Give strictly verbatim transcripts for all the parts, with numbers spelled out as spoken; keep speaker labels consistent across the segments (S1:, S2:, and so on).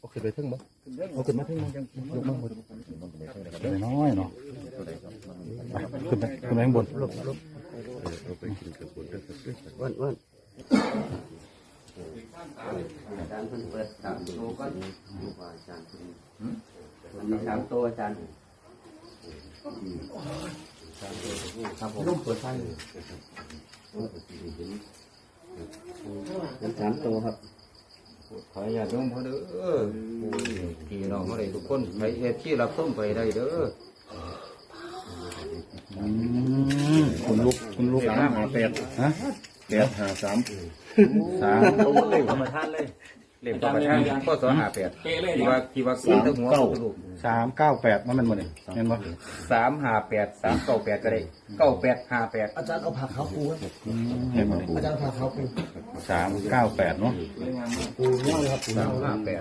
S1: เอาขึ้นไปทึ่งมั้งเอาขึ้นมาทึ่งมั้งยกมาบนน้อยเนาะขึ้นไปขึ้นไปข้างบนวันวัน
S2: อาจารย์เพิ่นเปิดสามโตก็ดูว่าอาจารย์เพิ่นมีสามโตอาจารย์ครับผมเปิดไฟเป็นสามโตครับขออย่าต้องพอเด้อพี่น้องเขาได้ทุกคนไปเฮ็ดที่รับส้มไปได้เด้อ
S1: คุณลูกคุณลูก
S3: สามหาแปด
S1: ฮะ
S3: แปดหาสาม
S1: สาม
S2: เล่มธรรมชาติเลยเล่มธรรมชาติข้อสองหาแปดที่ว่าที่ว่าสามหัวลูก
S1: สามเก้าแปดมันมันหมดเลยเห็นปะ
S2: สามหาแปดสามเก้าแปดก็ได้เก้าแปดห้าแปด
S4: อาจารย์เอาผักขาวปูครับ
S1: เห็นปะ
S4: อาจารย์ผักขาวปู
S1: สามเก้าแปดเนาะ
S4: ปูเงี้ยเลยครับปู
S2: สามห้าแปด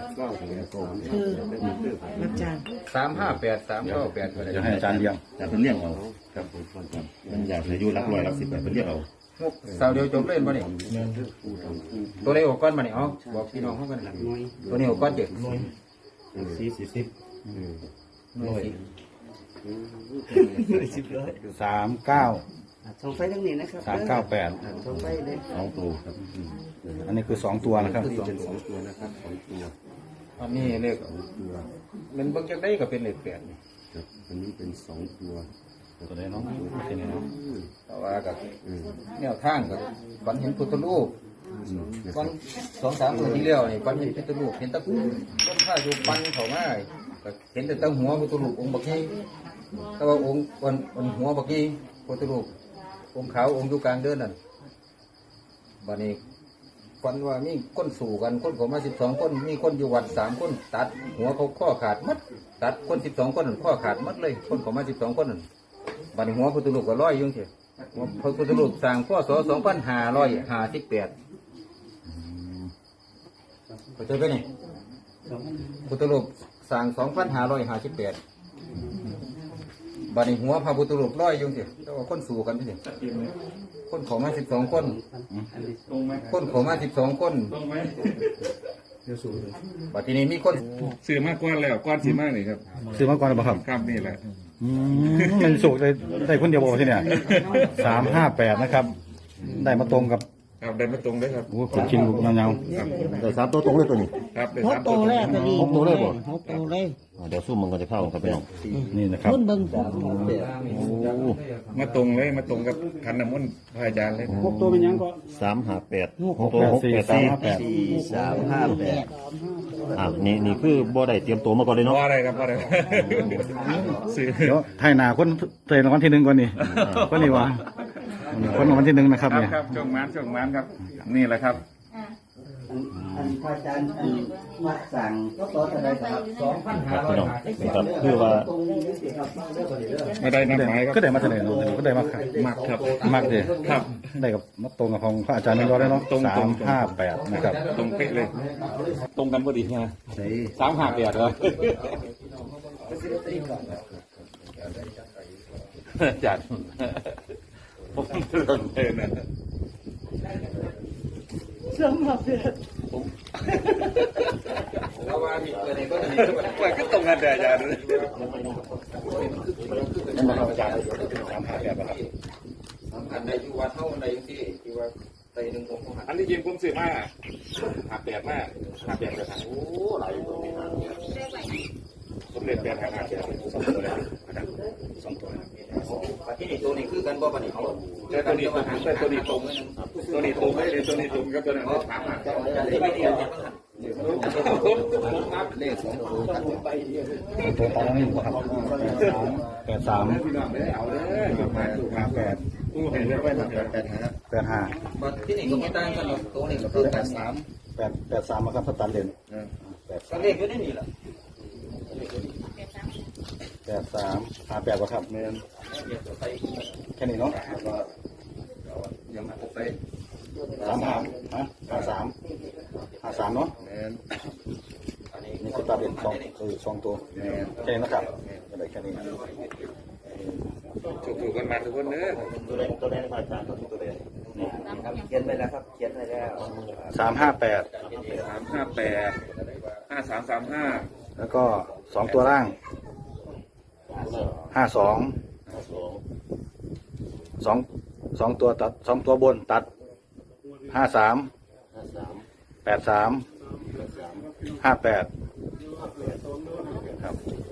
S5: อาจารย์
S2: สามห้าแปดสามเก้าแปดก็ได้
S1: จะให้อาจารย์เลี้ยง
S3: แต่เป็นเรียกเอาครับมันอยากอายุรักรอยรักสิบแปดเป็นเรียกเอา
S2: สาวเดียวจบเล่นป่ะเนี่ยตัวนี้ออกก้อนมาเนี่ยอ๋อบอกพี่น้องเขากันตัวนี้ออกก้อนเจ็ด
S3: สี่สิบสิบ
S2: หน่วย
S4: สิบร้อย
S1: สามเก้า
S5: ส่งไฟทั้งนี้นะครับ
S1: สามเก้าแปด
S5: ส่งไฟเลย
S3: สองตัวครับ
S1: อันนี้คือสองตัวนะครับ
S3: เป็นสองตัวนะครับสองตัว
S2: อันนี้เลข
S3: ตัว
S2: มันเบิ่งจากได้ก็เป็นเลขแปดนี่
S3: ครับอันนี้เป็นสองตัว
S1: ตัวไหนเนาะตัวไหนเนาะ
S2: แต่ว่ากับแนวทางกับฝันเห็นพุทธรูปวันสองสามตัวที่เลี้ยวนี่ฝันเห็นพุทธรูปเห็นตะกุ่มต้นข้าอยู่ปันเขามาก็เห็นแต่ตั้งหัวพุทธรูปองค์บักนี้แต่ว่าองค์วันวันหัวบักนี้พุทธรูปองค์ขาวองค์อยู่กลางเดินนั่นบัดนี้ฝันว่ามีคนสู่กันคนเขามาสิบสองคนมีคนอยู่วัดสามคนตัดหัวเขาข้อขาดมัดตัดคนสิบสองคนนั่นข้อขาดมัดเลยคนเขามาสิบสองคนนั่นบัดนี้หัวพุทธรูปก็ร้อยอยุ่งเถอะหัวพุทธรูปสร้างข้อศสองพันห้าร้อยห้าสิบแปดเข้าใจไหมนี่พุทธรูปสร้างสองพันห้าร้อยห้าสิบแปดบัดนี้หัวพระพุทธรูปร้อยอยุ่งเถอะแต่ว่าคนสู่กันเถอะคนเขามาสิบสองคนคนเขามาสิบสองคนบัดทีนี้มีคน
S3: ซื้อมากกว่าแล้วก้อนสีมากเลยครับ
S1: ซื้อมาก่อนหรือเปล่าครับ
S3: ครับนี่แหละ
S1: อืมมันสุกได้ได้คนเดียวบอกที่เนี่ยสามห้าแปดนะครับ ได้มาตรงกับ
S3: ครับได้มาตรงเลยครับ
S1: โอ้คนชินลูกเงา
S6: แต่สามตัวตรงเลยตัวนี้
S3: ครับได้
S5: หก
S3: สาม
S5: โต
S3: ตัว
S5: แรกก็ดี
S6: หกตัวเลยบ่
S5: หกโตเลย
S6: อ่าเดี๋ยวสู้มันก็จะเข้าครับพี่น้อง
S1: ๆนี่นะครับ
S5: รุ่นเบิ่ง
S6: โอ้
S3: มาตรงเลยมาตรงกับขันน้ำมนต์พระอาจารย์เลย
S4: หกตัวเป็นยังก็
S6: สามห้าแปด
S1: ห
S6: ห
S1: ก
S6: กตัว
S1: แปด
S6: หก
S1: สี่
S6: แปด
S1: สาม
S6: สี่
S1: ห้าแปด
S6: สี่สามห้าแปดอ่ะนี่นี่คือบ่ได้เตรียมตัวมาก่อนเลยเนาะ
S3: ว่าอะไรครับว่าอะไรซื้อ
S1: เดี๋ยวไทยนาคนเตะรางวัลที่หนึ่งก่อนนี่ก็นี่วะคนรางวัลที่หนึ่งนะครับ
S3: ครับ
S1: เนี่ย
S3: ครับช่วงมันช่วงมันครับ นี่แหละครับ
S5: อันพระอาจารย์อันมาสั่งก็ต่อจะได้ครับสองพัน
S6: ครับพี่น้องนะครับคือว่า
S3: ไม่ได้นัดหมายครับ
S1: ก็ได้มาเท่าไหร่เนาะก็ได้มาครับ
S3: มักครับ
S1: มากเลย
S3: ครับ
S1: ได้กับมาตรงกับของพระอาจารย์นั่นก็ได้เนาะ
S3: ตรง
S1: สา
S3: ตรง
S1: มห้าแปดนะครับ
S3: ตรงเป๊ะเลย ตรงกันพอดีนะสามหักเดียดเลยจัดผมเตือนเลยนะ
S5: สองพันแปด
S2: เอาว่าที่เกิดในก็จะมี
S3: ว่าก็ตรงกันแต่อาจารย์
S1: นั่นนะครับอาจารย์สามห้าแปดนะครับ
S2: สำคัญในอยู่วัดเท่าในที่ที่ว่าไตหนึ่งองค์
S3: อันนี้ยิงผมซื้อมาหักแปดมากหักแปดกระถางโอ้หลายตัวนี่นะสมเด็จแปดหักหักแปดสองตัวเลยนะครับสองตัวนะ
S2: ปัจจุบันตัวนี้คือกันบ่ปัจจุบัน
S3: แต่ตัวนี้ตรงแต่ตัวนี้ตรงตัวนี้ตรงเลยตัวนี้ตรงกับตัวนั้นถามหา
S2: ที่ไม่เดียวกัน
S3: เลขสองตัว
S1: ตัวตอนนี้ครับแปดสาม
S3: พี่น้องไม่ได้เอาเลยมาถูก
S1: ห้าแปด
S3: ตู้เห็นเรียกว่าแปดแปดฮะ
S1: แปดห้า
S2: บัดที่นี่ก็ไม่ต่างกันหรอกตัวนี้ก็คือแปดสาม
S1: แปดแปดสามนะครับสแตนเดนแปด
S2: ก็เลขอยู่ในนี่แหละ
S1: แปดสามห้าแปดวะครับเมนแค่นี้เนาะ
S3: ยังหกไป
S1: สามห้าฮะห้าสามห้าสามเนาะ
S3: แมน
S1: นี่สแตนเดนสองคือสองตัวแค่นี้นะครับอะไรแค่นี้
S3: ถูกถูกกันมาทุกคนเนอะ
S6: ตัวแดงตัวแดงพระอาจารย์ตัวแดง
S2: เขียนไปแล้วครับเขียนไปแล้ว
S1: สามห้าแปด
S3: สามห้าแปดห้าห้าสามสามห้า
S1: แล้วก็สองตัวล่าง ห้าสอง สองสองตัวตัดสองตัวบนตัด ห้าสาม แปดสาม ห้าแปดครับ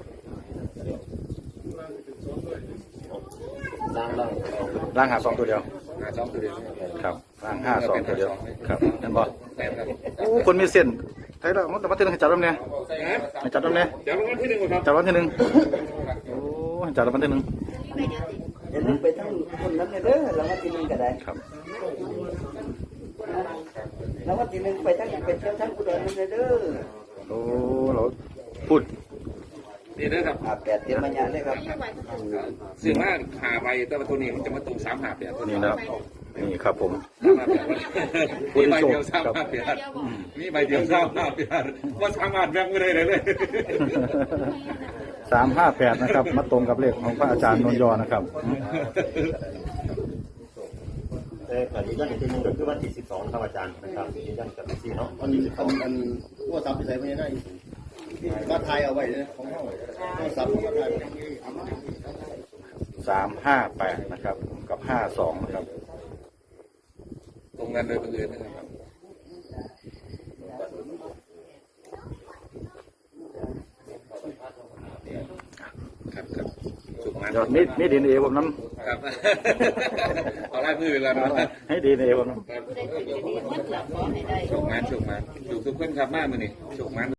S6: ล่างล่าง
S1: ล่างหาสองตัวเดียว
S3: หาสองตัวเดียว
S1: ครับล่างห้าสองตัวเดียวครับนั่นบอ
S3: แปดครับ
S1: โอ้คนมีเส้นไทยแล้วมันแต่วันที่หนึ่งให้จัดรำเนี่ยให้จัดรำเนี่ย
S3: เดี๋ยวรางวัลที่หนึ่งก่อนครับ
S1: จัดวันที่หนึ่งโอ้ให้จัดวันที่หนึ่ง
S5: เดี๋ยวนึงไปทั้งคนนั้นเลยเด้อแล้ววันที่หนึ่งก็ได้
S1: ครับ
S5: แล้ววันที่หนึ่งไปทั้งไปเที่ยวทั้งอุดรนั่นเลยเด้อ
S1: โอ้เราพูด
S3: นี่นะครับ
S5: อาแปดเตรียมมาญาเลยครับ
S3: ซึ่งว่าหาใบแต่ว่าตัวนี้มันจะมาตรงสามหาแปดตัว
S1: นี่
S3: นี้
S1: นะครับนี่ครับผม
S3: สามหาแปดมีใบเดียวสามหาแปดมีใบเดียวสามหาแปดว่าสามารถแบ่งไม่ได้เลยเลย
S1: สามห้าแปดนะครับ มาตรงกับเลขของพระอาจารย์นนยอนะครับ
S6: แต่ขอยืนยันอีกทีหนึงก็คือวันที่สิบสองครับอาจารย์นะครับยืนยันกับพี่เนาะวันที่สิบสอง
S4: อันว่าซับไปใส่ไม่ได้ก็ทายเอาไว้เลยของเขาก็ซับก็ทาย
S1: สามห้าแปดนะครับ กับห้าสองนะครับ
S3: ตรงนั้นโดยบังเอิญนะครับครับครับสุขมัน
S1: ยอดมีมีดีเอผมน้
S3: ครับเอาไล่มือแล้วนะ
S1: ำให้ดีเอผมน้ำ
S3: โชคมันโชคมันถูกทุกคนครับมากมือนี่โชคมัน